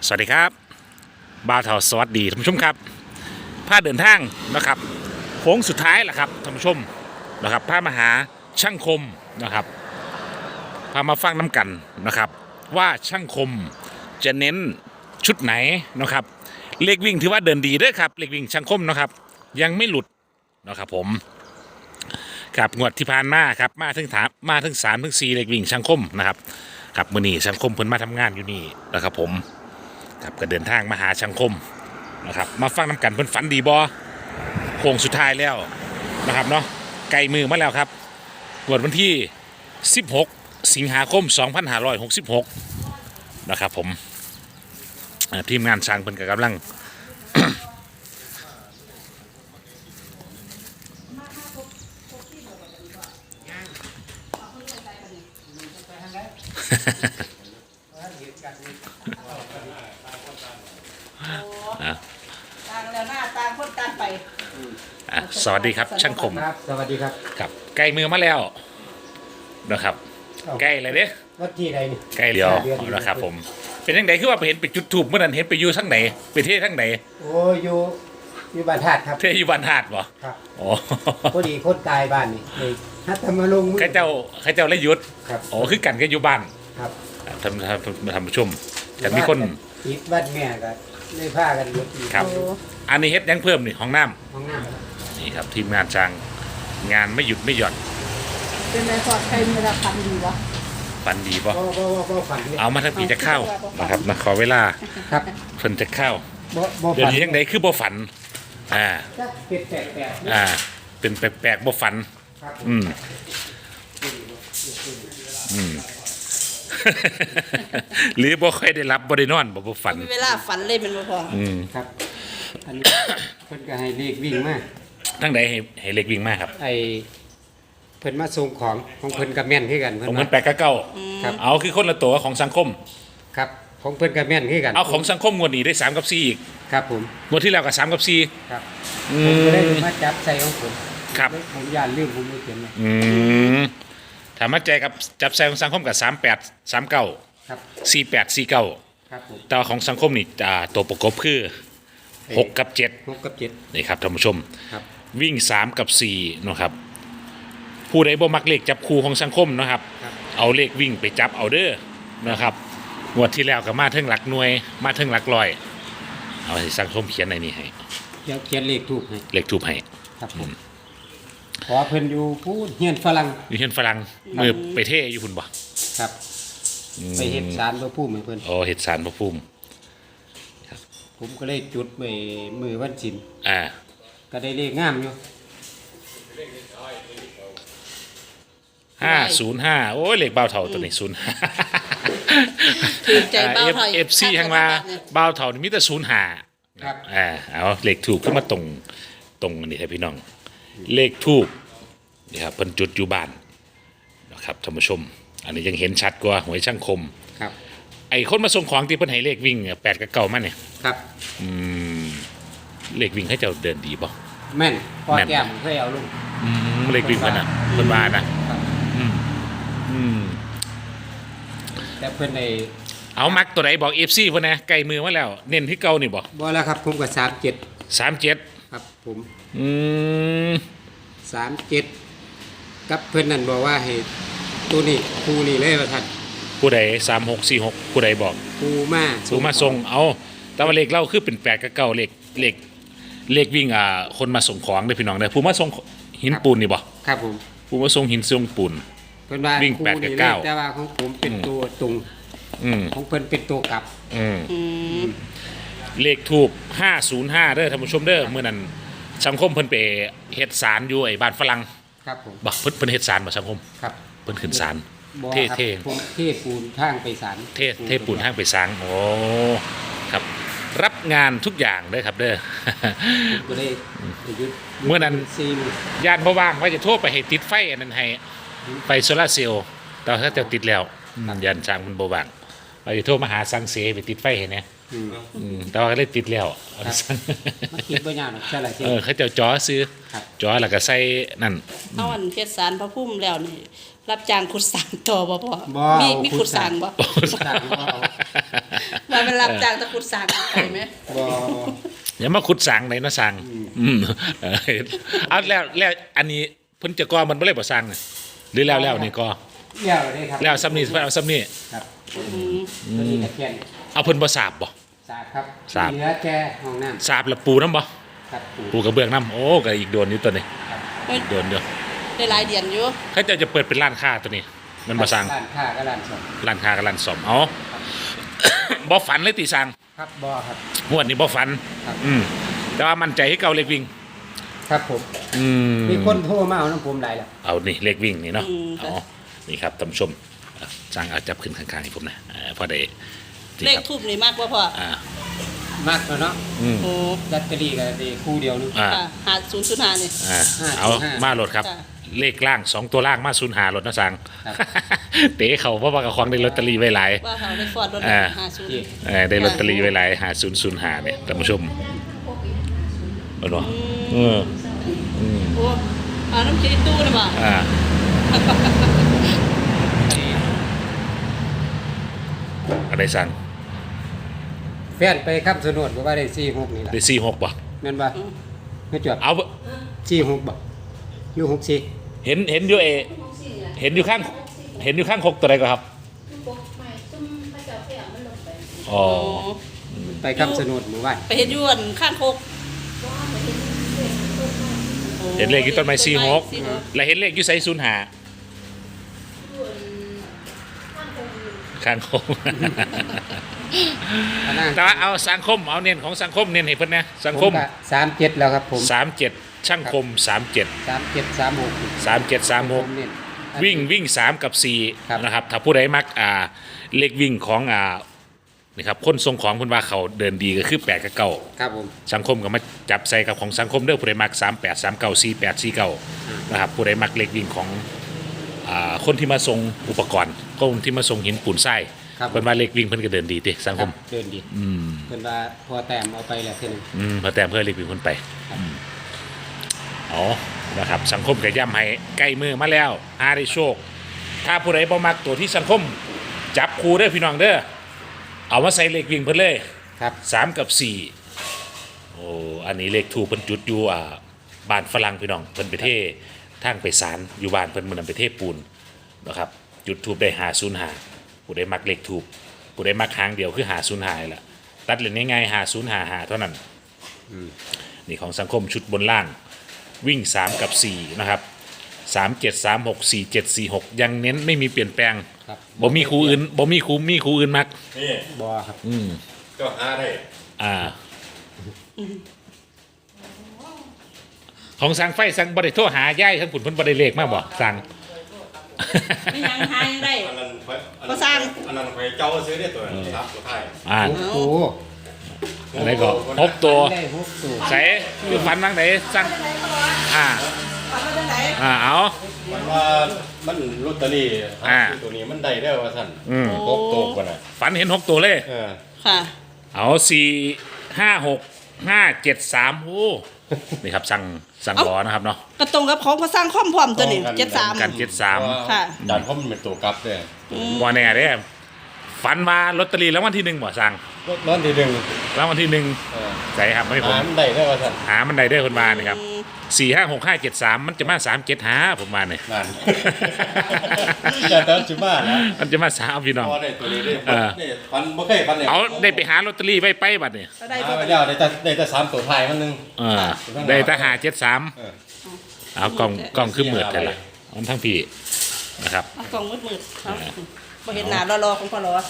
สวัสดีครับบ่าวเถาสวัสดีท่านผู้ชมครับพาเดินทางนะครับโค้งสุดท้ายแหละครับท่านผู้ชมนะครับพามาหาช่างคมนะครับพามาฟังน้ำกันนะครับว่าช่างคมจะเน้นชุดไหนนะครับเลขวิ่งถือว่าเดินดีด้วยครับเลขวิ่งช่างคมนะครับยังไม่หลุดนะครับผมกับงวดที่ผ่านมาครับมาถึง3 ถึง 4เลขวิ่งช่างคมนะครับกับมือนี้ช่างคมเพิ่นมาทำงานอยู่นี่นะครับผมครับก็เดินทางมาหาช่างคมนะครับมาฟังน้ำกันเพิ่นฝันดีบ่โค้งสุดท้ายแล้วนะครับเนาะไกลมือมาแล้วครับงวดวันที่16 สิงหาคม 2566นะครับผมทีมงานช่างเพิ่นก็กำลังต่างแล้วหน้าต่างคนต่างไปสวัสดีครับช่างคมครับสวัสดีครับครับใกล้มือมาแล้วนะครับใกล้เลยเด้วัดที่ใดนี่ใกล้เดียวนะครับผมเป็นยังไงคือว่าไปเห็นไปจุดถูกเมื่อนั้นเห็นไปอยู่ทั้งไหนไปเทศทั้งไหนโอ้อยู่บ้านธาตุครับเทศอยู่บ้านหาดบ่ครับอ๋อพอดีคนตายบ้านนี่เลยฮัตธรรมลงค์ข้าเจ้าเลยหยุดครับอ๋อคือกันก็อยู่บ้านครับทำประชุมแต่มีคนติดบ้านแม่ก็เลยพากันรถอีกครับ อันนี้เฮ็ดยังเพิ่มนี่ห้องน้ำห้องน้ำนี่ครับทีมงานจ้างงานไม่หยุดไม่หย่อนเป็นไรพอใครมีราคาดีวะปันดีป่ะบ่ฝันเลยเอามาทั้งปีจะเข้านะครับนะขอเวลาครับเพิ่นจะเข้าบ่เดี๋ยวฝันนี้ยังไงคือบ่ฝันอ่าจักเป็ดแปลกๆอ่าเป็นแปลกๆบ่ฝันครับอืม อืม หรือบ่ค่อยได้รับบ่ได้นอนบ่ฝันมีเวลาฝันเลยเป็นบ่พออืมครับ อันนี้เพิ่นก็ให้เลขวิ่งมาทั้งใดให้เล็กวิ่งมากครับไอ้เพิ่นมาส่งของของเพิ่นก็แม่นคือกันผมเพิ่นมันว่าแปลกกับเก่าครับเอาคือคนละตัวของสังคมครับของเพิ่นก็แม่นคือกันเอาของสังคมงวดนี้ได้3กับ4อีกครับผมงวดที่แล้วก็3กับ4 ครับอืผมก็ได้มมาจับใส่ของผมครับผมย่านลืมผมไม่เขียนเลยอืมถามมาใจกับจับใส่ของสังคมกับ38 39 ครับ 48 49 ครับผมแต่ว่าของสังคมนี่ตัวประกบคือ6กับ7 6กับ7 นี่ครับท่านผู้ชมครับวิ่ง3กับ4นะครับผู้ใดบ่มักเลขจับคู่ของสังคมนะครับครับเอาเลขวิ่งไปจับเอาเด้อนะครับงวดที่แล้วก็มาถึงหลักหน่วยมาถึงหลักร้อยเอาให้สังคมเขียนในนี้ให้เดี๋ยวเขียนเลขถูกให้เลขทูบให้ครับผมขอเพิ่นอยู่พูดเฮียนฝรั่งอยู่เห็นฝรั่งมือไปเทอยู่คุณบ่ครับ ไปเฮ็ดสารพระภูมิให้เพิ่นโอ้เห็ดสารพระภูมิผมก็เลยจุดไปมือวันศิลอ่าก็ได้เลขงามอยู่ 505โอ้ยเลขเบาเท่าตัวนี้05 ถือใจเบ้าไทยเอฟซีทางมาเบาเท่านี่มีแต่05 ครับเอาเลขถูกขึ้นมาตรงนี่ครับพี่น้อง เลขทูบนี่ครับเพิ่นจุดอยู่บ้านนะครับท่านผู้ชม อันนี้ยังเห็นชัดกว่าหวยช่างคมครับไอ้คนมาส่งของที่เพิ่นให้เลขวิ่ง8กับ9มาเนี่ยครับอืมเลขวิ่งให้เจ้าเดินดีบ่แม่นพอแม่นแก้มเคยเอาลงเลขวิ่งเพิ่นน่ะเพิ่นว่านะครับ อืมอืมแต่เพิ่นได้เอามักตัวไหนบอก FC เพิ่นนะไกลมือมาแล้ว เน้นที่เก่านี่บ่บ่แล้วครับผมก็37 37 ครับผมอืม 37กับเพิ่นนั่นบอกว่าให้ตัวนี้คู่นี้เลยว่าท่านผู้ใด3646ผู้ใดบอกคู่มาสูมาส่งเอาแต่ว่าเลขเล่าคือเป็น8กับ9เลขวิ่งคนมาส่งของเด้อพี่น้องเด้อผู้มาส่งหินปูนนี่บ่ครับผมผู้มาส่งหินส่งปูนเพิ่นว่าวิ่งคู่แปดกับนี้เก้าเลยแต่ว่าของผมเป็นตัวตรงอืมของเพิ่นเป็นตัวกลับอืมอืมเลขทูบ505เด้อท่านผู้ชมเด้อมื้อนั้นสังคมเพิ่นไปเฮ็ดศาลอยู่ไอ้บ้านฝรั่งครับผมบ่เพิ่นเฮ็ดศาลบ่สังคมครับเพิ่นขึ้นศาลบ่เท่ครับเท่ผมเทปูนทางไปศาลเทปูนทางไปสร้างโอ้ครับ รับงานทุกอย่างเด้อครับเด้อผมก็ได้หยุดเมื่อนั้นซีมญาติบ่ว่างว่าจะโทรไปให้ติดไฟอันนั้นให้ไฟโซลาร์เซลล์แต่ถ้าจะติดแล้วญาติช่างมันบ่ว่างว่าจะโทรมาหาสังเสไปติดไฟให้แหน่อืมแต่ว่าก็เลยติดแล้วครับ มาคิดบ่ยากหรอกใช่ล่ะที่เขาเจ้าจอซื้อครับจอแล้วก็ใส่นั่นเอาอันเฮ็ดสารพระพุ่มแล้วนี่รับจ้างขุดสางต่อบ่พ่อบ่มีขุดสางบ่ขุดสางบ่เอาว่าเป็นรับจ้างตะขุดสางไปไหมบ่อย่ามาขุดสางไหนนะสางเออเอาแล้วอันนี้เพิ่นจะก่อมันบ่เลยบ่สางน่ะหรือแล้วนี่ก่อแล้วได้ครับแล้วซ้ำนี่เอาซ้ำนี่ครับตัวนี้ก็แค่นี้เอาเพิ่นบ่สาบบ่สาบครับสาบเหลือแค่ห้องน้ำสาบแล้วปูน้ำบ่ครับปูปูกระเบื้องน้ำโอ้ก็อีกโดนอยู่ตัวนี้อีกโดนเดียวได้หลายเดือนอยู่เขาจะเปิดเป็นร้านค้าตัวนี้ มันบ่สร้างร้านค้าก็ร้านสดร้านค้ากับร้านซ่อมเอา บ่ฝันเลยติสร้างครับบ่ครับงวดนี้บ่ฝันครับแต่ว่ามั่นใจให้เก่าเลขวิ่งครับผม มีคนโทรมาเอาน้ำผมหลายแล้วเอานี่เลขวิ่งนี่เนาะเอานี่ครับท่านผู้ชมสร้างเอาจับขึ้นข้างๆให้ผมนะพอได้นี่เลขครับทูบนี่มากบ่พ่อมากแล้วเนาะโอ้ลอตเตอรี่ก็ได้คู่เดียวนึงอ่าค่ะ5005นี่เอา 505 มาโหลดครับค่ะเลขล่าง2ตัวล่างมา0หาโหลดนะสร้างครับเต๋เขาเพราะว่ากับของได้ลอตเตอรี่ไว้หลายว่าเขาได้ฟอดรถอ่า 50 ได้ลอตเตอรี่ไว้หลาย5005เนี่ยท่านผู้ชมเห็นบ่อืมโอ้เอาน้ำคิดตู้นะบ่อะไรสั่งแฟนไปคำสนดบอกว่าได้46นี่แหละได้46บ่แม่นบ่ไม่จบเอา 46บ่อยู่64 เห็นอยู่เห็นอยู่ข้างคกตัวใดก็ครับอ๋อไปคำสนดหมู่บ้านไปเฮ็ดอยวนข้างโคกเห็นเลขอยู่ต้นไม้46แล้วเห็นเลขอยู่ไส05ข้างคกอันนั้นแต่ว่าเอาสังคมเอาเน้นของสังคมเน้นให้เพิ่นนะสังคม 37แล้วครับผม 37ช่างคม37 3736 3736 เน้นวิ่ง3กับครับ 4นะครับถ้าผู้ใดมักเลขวิ่งของนี่ครับคนทรงของเพิ่นว่าเขาเดินดีก็คือ8กับ9 ครับผมสังคมก็มาจับใส่กับของสังคมเด้อผู้ใดมัก38 39 48 49นะครับผู้ใดมักเลขวิ่งของคนที่มาส่งอุปกรณ์คนที่มาส่งหินปูนทรายครับเพิ่นว่าเลขวิ่งเพิ่นก็เดินดีติสังคมเดินดีเพิ่นว่าพอแต้มเอาไปแล้วเท่านึงพอแต้มเพื่อเลขวิ่งเพิ่นไปอ๋อนะครับสังคมก็ย้ำให้ใกล้มือมาแล้วหาได้โชค ถ้าผู้ใดบ่มักตัวที่สังคมจับคู่เด้อพี่น้องเด้อเอามาใส่เลขวิ่งเพิ่นเลยครับ 3กับ4โอ้อันนี้เลขถูกเพิ่นจุดอยู่บ้านฝรั่งพี่น้องเพิ่นไปเททางไปศาลอยู่บ้านเพิ่นมื้อนั้นไปเทปูนนะครับจุดทูบได้505ผู้ใดมักเลขถูกผู้ใดมักหางเดียวคือ505นี่ล่ะตัดเล่นง่ายๆ5055เท่านั้นนี่ของสังคมชุดบนล่างวิ่ง3กับ4นะครับ37 36 47 46ยังเน้นไม่มีเปลี่ยนแปลงครับบ่มีครูอื่นมีครูอื่นมักนี่บ่ครับก็หาได้ของสั่งไฟสั่งบริโทรหาย่ายทั้งขุนเพิ่นบริเลขมาบ่สั่งไม่ยังหายังได้อันนั้นไฟก็สร้างอันนั้นไฟเจ้าซื้อได้ตัวนั้นครับตัวไทยโอ้โหอะไรก็พบตัวได้6ตัวใส่คือฝันบ้างไหนสั่งฝัอ่านว่าจังไหนเอามันว่ามันลอตเตอรี่ซื้อตัวนี้มันได้ได้ว่าท่านพบตกกันนะฝันเห็น6ตัวเลยค่ะเอา4 5 6 5 7 3โอ้นี่ครับสั่งล้อนะครับเนาะกระตรงกับของพระสร้างคอมพร้อมตัวนี้73 กัน73 ค่ะดันเพราะมันเป็นตัวกลับเลยบ่แน่เด้ฝันว่าลอตเตอรี่รางวัลที่1บ่สั่งร้อนทีหนึ่งรางวัลที่1ใส่ครับไม่ผมมันได้ได้ว่าท่านหามันได้คนมานี่ครับ4 5 6 5 7 3มันจะมา3 7 5ผมมาเนี่ยนั่นแต่ตอนจุบ้านะมันจะมา3พี่น้องพอได้ตัวนี้ได้นี่ฟันไม่เคยฟันเนี่ยเอาได้ไปหาลอตเตอรี่ไว้ไปบัดเนี่ยก็ได้หาตัวไปแล้วได้แต่3ตัวไทยมันนึงได้ทหาร73 เอากล่องคือเหมือดแต่ละมันทั้งพี่นะครับเอากล่องมืดๆครับบ่เห็นหน้ารอๆของพ่อรอก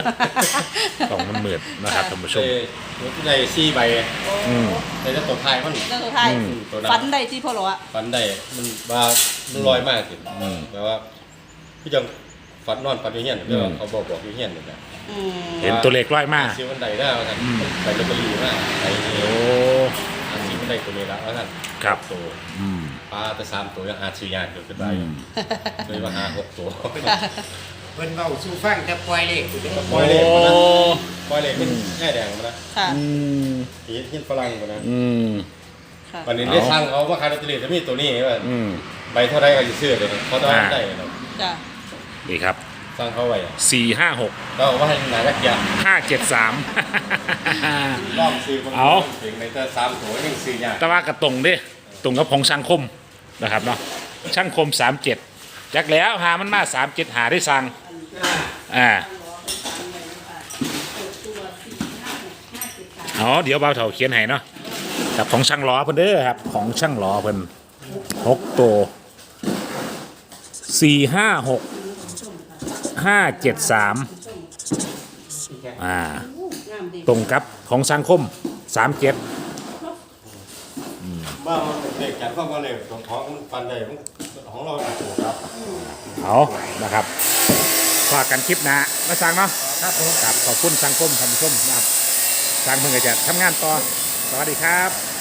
ล่องมันเหมือดนะครับท่านผู้ชมได้4ใบได้แต่ตัวไทยมันแล้วสุดท้ายตัวนั้นฝันได้ที่พ่อรอฟันได้มันว่ามันลอยมากสิแต่ว่าพี่จังฟันนอนฟันอยู่เฮียนแต่ว่าเขาบอกอยู่เฮียนนี่แหละเห็นตัวเลขร้อยมากซื้อวันใดได้ว่าท่านไปลอตเตอรี่มากไปโอ้ซื้อวันใดตัวนี้ละว่าท่านครับตัวปลาแต่3ตัวยังอาซื้อยากเกินไปเลยว่าหา6ตัวเพิ่นเว้าสู่ฟังแต่ปล่อยเลขอยู่เด้อปล่อยเลขมันนะปล่อยเลขเป็นแง่แดงมันนะค่ะเฮียนฝรั่งมันนะค่ะวันนี้ได้สั่งเขาว่าขายลอตเตอรี่จะมีตัวนี้ว่าใบเท่าไรก็จะซื้อเลยเขาต้องได้เนาะจ้ะนี่ครับสร้างเขาไว้อะ 456 ก็เอาว่าให้หนาจักยา 573 ลองซื้อคนเอาเสียงในแต่3ตัวยังซื้อยากแต่ว่ากระตรงเด้ตรงกับของช่างคมนะครับเนาะช่างคม 37จักแล้วหามันมา 37 หาได้สั่งอ๋อเดี๋ยวเบาเถาเขียนให้เนาะกับของช่างล้อเพิ่นเด้อครับของช่างล้อเพิ่น6ตัว456 573ตรงกับของช่างคม 37 บ้ามันเด็กจัดเข้ามาเลยของท้องมันฟันได้ของเราถูกครับเอานะครับฝากกันคลิปหนะมาสั่งเนาะครับผมครับขอบคุณสังคมท่านผู้ชมนะครับสั่งเพิ่งจะทำงานต่อ สวัสดีครับ